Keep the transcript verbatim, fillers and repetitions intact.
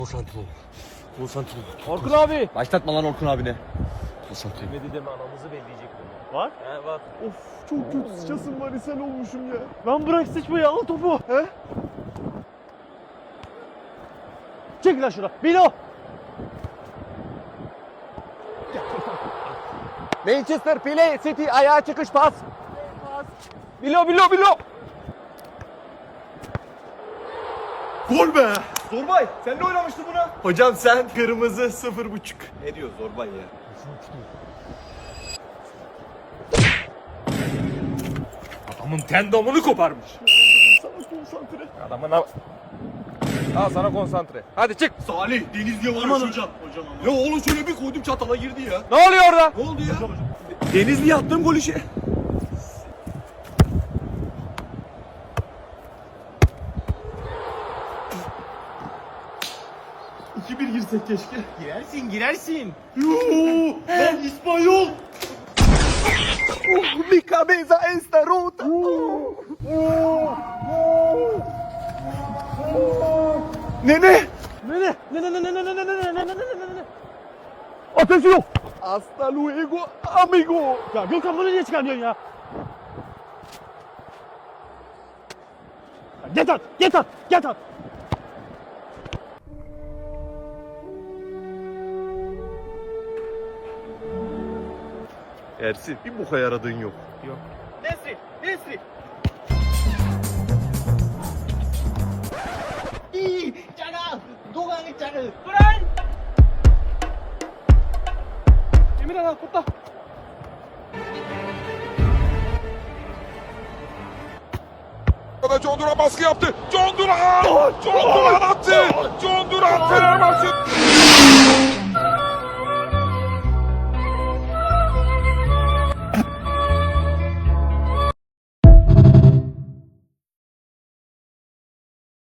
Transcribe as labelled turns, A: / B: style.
A: Konsantre ol. Konsantre ol.
B: Orkun abi.
A: Başlatma lan Orkun abine. Konsantre ol.
B: Demedi deme anamızı belleyecek bunu. Var? He var.
C: Of çok kötü sıçasım var, ishal olmuşum ya.
B: Lan bırak sıçmayı, al topu.
C: He?
B: Çek lan şuna. Bilo.
C: Manchester Play City ayağa çıkış pas. Bilo bilo bilo. Gol be. Zorbay sen ne oynamıştın buna? Hocam sen kırmızı sıfır buçuk. Ne diyor Zorbay ya?
A: Adamın tendonunu koparmış.
C: Sana konsantre.
A: Adamın av... Al sana konsantre. Hadi çık.
C: Salih Deniz diye var hocam. Hocam ama. Ya oğlum şöyle bir koydum çatala girdi ya.
A: Ne oluyor orada?
C: Ne oldu ya? Denizli'ye attığım gol işi. iki bir girsek keşke.
B: Girersin girersin.
C: Yuuu! Ben İspanyol! Oh, mi cabeza esta rota! Nene!
B: Ne ne ne ne ne ne ne ne ne ne ne ne ne ne ne.
C: Ateşi yok! Hasta luego amigo!
B: Ya Gökhan bunu niye çıkarmıyorsun ya? Get at, get at, get at.
C: Ersin bir boka yaradığın yok.
B: Yok. Nesri, Nesri. İyi, canım. Doğan canım. Duran. Emir ana kutla.
D: John Duran baskı yaptı. John Duran! John Duran attı. John Duran fenomen